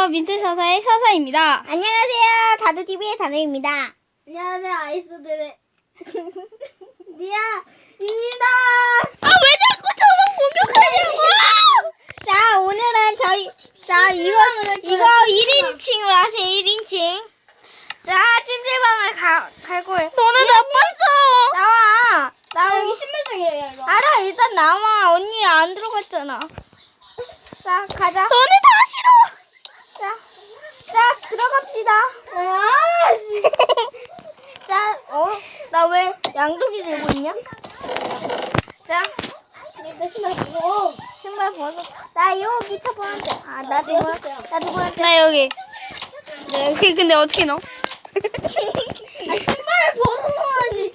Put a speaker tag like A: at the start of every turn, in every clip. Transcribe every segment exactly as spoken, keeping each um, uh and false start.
A: 안녕하세요. 민트사사의 사사입니다.
B: 안녕하세요. 다두티비의 다두입니다.
C: 안녕하세요. 아이스들의 리아입니다.
A: 아, 왜 자꾸 저만 공격하냐고!
B: 자, 오늘은 저희, 자, 이거, 이거 일 인칭으로 하세요, 일 인칭. 자, 찜질방을 가, 갈 거예요.
A: 너네 나빴어!
B: 나와. 나
C: 아,
B: 여기
C: 여기 신발장이래요, 이거.
B: 알아, 일단 나와. 언니 안 들어갔잖아. 자, 가자.
A: 너네 다 싫어!
B: 자, 자, 들어갑시다.
C: 아, 씨.
B: 자, 어? 나 왜 양동이 들고 있냐? 자,
C: 내 신발 벗어.
B: 신발 벗어. 나 여기 첫 번째. 아, 나 두 번째. 나 두 번째.
A: 나 여기. 네, 여기 근데 어떻게 넣어?
C: 아, 신발 벗어야지.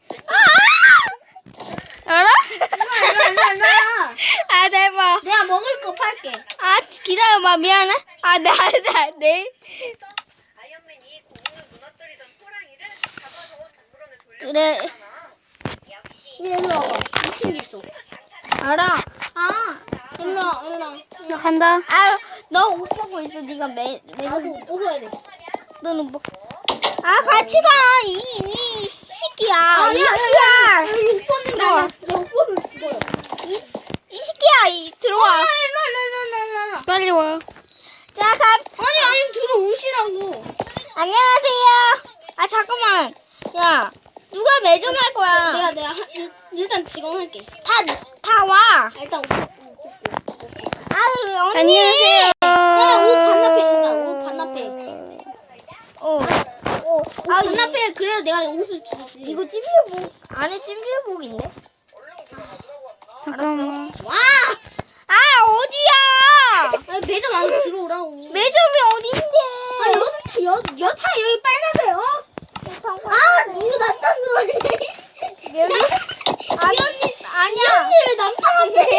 A: 알아?
C: 일로와, 일로와, 일로와.
B: 아, 대박.
C: 내가 먹을 거 팔게.
B: 아, 기다려봐. 미안해. 아, 나, 나, 네.
D: 아이언맨이 고공을 무너뜨리던 호랑이를 잡아서 동물원에 돌려.
B: 그래.
C: 얘 일로 와봐. 이 친구 있어.
B: 알아.
C: 아, 일로 와, 일로 와.
A: 나 간다.
B: 아, 너 옷 보고 있어. 네가 매, 매,
C: 나도 벗어야 돼.
B: 너는 뭐. 아, 같이 가. 이, 이 새끼야.
C: 아,
B: 이
C: 야, 야, 야.
B: 새끼야.
C: 여기 옷 벗는다. 야, 야, 옷 벗으면 죽어요.
B: 이, 이 새끼야. 이, 들어와.
C: 아, 일로 와, 일로 와, 일로 와.
A: 빨리 와.
B: 자, 가.
C: 아니, 아니, 들어오시라고.
B: 안녕하세요. 아, 잠깐만. 야, 누가 매점할 거야?
C: 내가, 내가, 한- 일- 일단 직원 할게.
B: 다, 다 와.
C: 아, 일단 옷 벗고.
B: 아유, 언니.
A: 안녕하세요.
C: 내가 옷 반납해, 일단 옷 반납해.
B: 어. 어.
C: 아, 반납해. 그래야 내가 옷을 주지.
B: 이거 찜질복, 안에 찜질복인데?
A: 잠깐만.
C: 와!
B: 아, 어디야?
C: 아, 매점 안에 들어오라고.
B: 매점이 어딘데?
C: 아, 여기, 여, 여타 여기 빨간색, 어? 아, 누구 남탕 들어왔니?
B: 여기? 아니, 아니야.
C: 이 언니 왜 남탕 앞에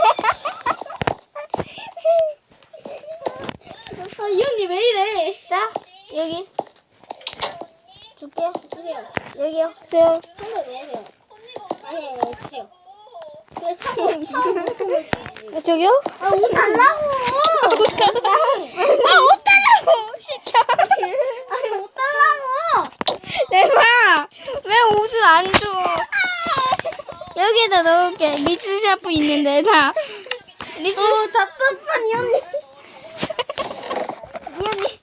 C: 있어? 아, 이 언니 왜 이래?
B: 자, 여기. 줄게.
C: 주세요.
B: 여기요. 주세요.
C: 선물 내세요. 아니, 아니, 주세요. 그래, 선물, 선물 주지.
A: 아, 저기요?
C: 아, 옷 달라고!
B: 아, 옷 달라고! 시켜.
C: 아니, 옷 달라고!
B: 내봐. 왜 옷을 안 줘? 여기에다 넣을게. 믹스 샤프 있는 데다. 믹스.
C: 어, 답답한 이 언니.
B: 이 언니.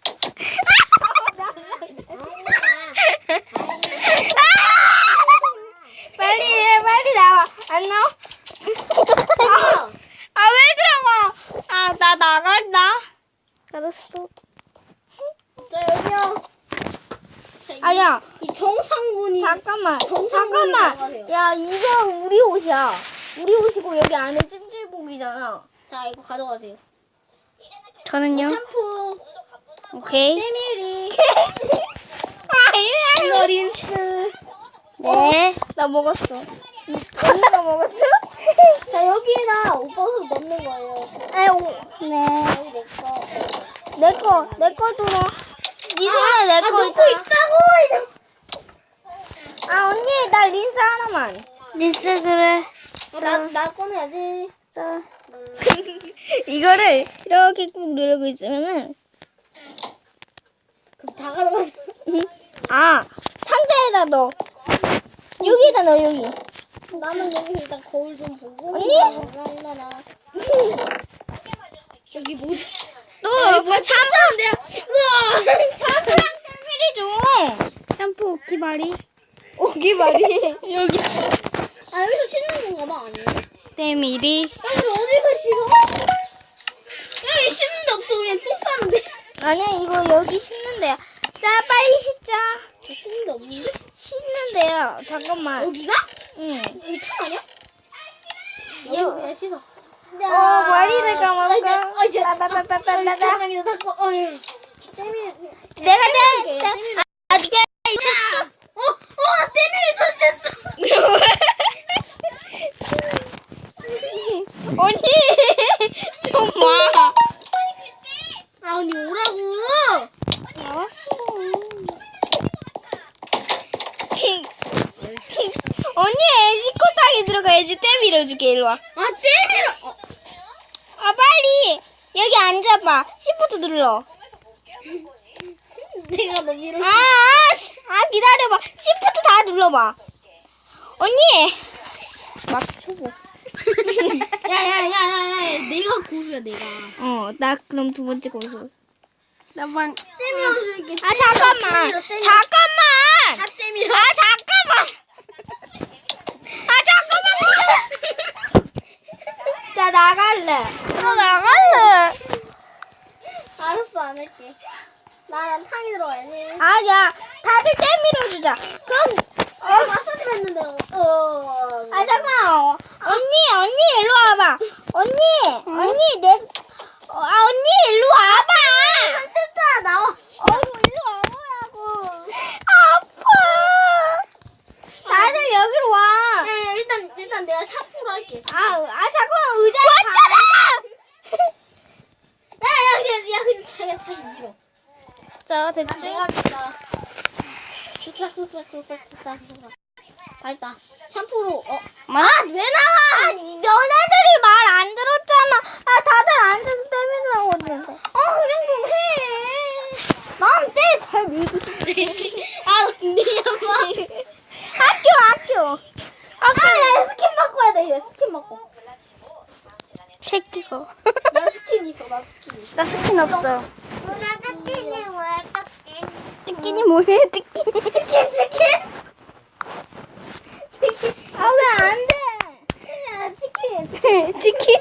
B: 빨리 해, 빨리 나와. 안 나와? 아, 아, 왜 들어가? 아, 나 나간다.
A: 알았어.
C: 자, 여기요. 자, 이,
B: 아, 야.
C: 이 정상분이.
B: 잠깐만.
C: 정상분이
B: 잠깐만.
C: 나가세요.
B: 야, 이거 우리 옷이야. 우리 옷이고 여기 안에 찜질복이잖아.
C: 자, 이거 가져가세요.
A: 저는요?
C: 샴푸,
A: 오케이.
C: 때밀이,
B: 아, 이거
C: 이거 린스.
A: 네.
B: 나 먹었어. 언니가 먹었어?
C: 자, 여기다 옷 벗어 넣는 거예요.
B: 아유, 네.
C: 여기 내 거.
B: 내 거, 내 거도 넣어. 네 손에 내
C: 아,
B: 거
C: 넣고
B: 있잖아.
C: 있다고!
B: 아, 언니, 나 린스 하나만.
A: 리스 그래.
C: 어, 나, 나 꺼내야지.
A: 자.
B: 이거를 이렇게 꾹 누르고 있으면은,
C: 그럼 다 가져가.
B: 아, 상자에다 넣어. 여기에다 넣어, 여기.
C: 나는 여기서 일단 거울 좀 보고.
B: 언니?
C: 나나나. 여기 뭐지?
B: 너,
C: 뭐야, 참사인데요? 우와!
B: 샴푸랑 세밀이 줘.
A: 샴푸 오키바리.
B: 오기 말이.
A: 여기.
C: 아, 여기서 씻는 건가 봐, 아니에요?
A: 때밀이.
C: 야, 우리 어디서 씻어? 여기 씻는 데 없어. 그냥 똥 싸면 돼.
B: 아니야, 이거 여기 씻는데요. 자, 빨리 씻자.
C: 씻는 데 없는데?
B: 씻는데요. 잠깐만.
C: 여기가?
B: 응.
C: 여기 탕 아니야? 여기
B: 이거-
C: 그냥 씻어.
B: 어, 머리를
C: 아,
B: 감았어.
C: 이제, 아, 이제.
B: 따다다다다다다.
C: 잠깐만요, 닦고. 어, 예. 쌤이.
B: 내가
C: 쌤이,
B: 내,
C: 쌤이.
B: 내, 아, 니가 있었어.
C: 어, 어, 쌤이 설치했어.
B: 언니, 좀 와.
C: 아, 언니 오라고.
A: 알았어.
B: 언니, 애지코탕에 들어가야지. 때 밀어줄게, 일로 와.
C: 아, 쌤이라. 어.
B: 아, 빨리. 여기 앉아봐. 시프트 눌러.
C: 내가 너 밀어.
B: 아, 아, 씨. 아, 기다려봐. 시프트 다 눌러봐. 언니. 막 초보.
C: 야야야야야, 내가 고수야 내가.
B: 어, 나 그럼 두 번째 고수.
A: 나만
C: 때밀어 줄게.
B: 아, 잠깐만. 잠깐만.
C: 다 때밀어.
B: 아, 잠깐만. 아, 잠깐만. 자, 나갈래.
A: 너 나갈래.
C: 알았어, 안 할게. 나난 탕이 들어가야지.
B: 아니야. 다들 떼밀어주자. 그럼,
C: 어, 마사지 했는데. 어.
B: 아, 잠깐만. 언니, 언니, 일로 와봐. 언니, 언니, 내, 어, 아, 언니, 일로 와봐.
C: 진짜 나와.
B: 어, 일로 와보라고. 아파. 다들 여기로 와.
C: 야, 야, 일단 일단 내가 샴푸로 할게.
B: 아, 아, 잠깐만. 의자에 왔잖아.
C: 야, 야, 그냥 야, 그냥 자기가 자기 밀어.
A: 자,
C: 아,
A: 됐지?
C: 내가 밀다. 쓱싹 쓱싹 쓱싹 쓱싹 쓱싹. 다 했다. 샴푸로. 어.
A: 만
C: 아, 왜 나와?
B: 아, 너네들이 말 안 들었잖아. 아, 다들 앉아서 떼밀라고 했는데.
C: 어, 그냥 좀 해. 난 때 잘 밀고 싶대. 아, 근데 엄마.
B: 학교, 학교.
C: 아, 야, 스킨 바꿔야 돼. 얘 스킨 바꿔.
A: 새끼가.
C: 나 스킨 있어. 나 스킨 있어.
A: 나 스킨 없어.
B: 치킨이 뭐해, 치킨. 치킨, 치킨. 아, 왜 안 돼? 야, 치킨.
A: 치킨.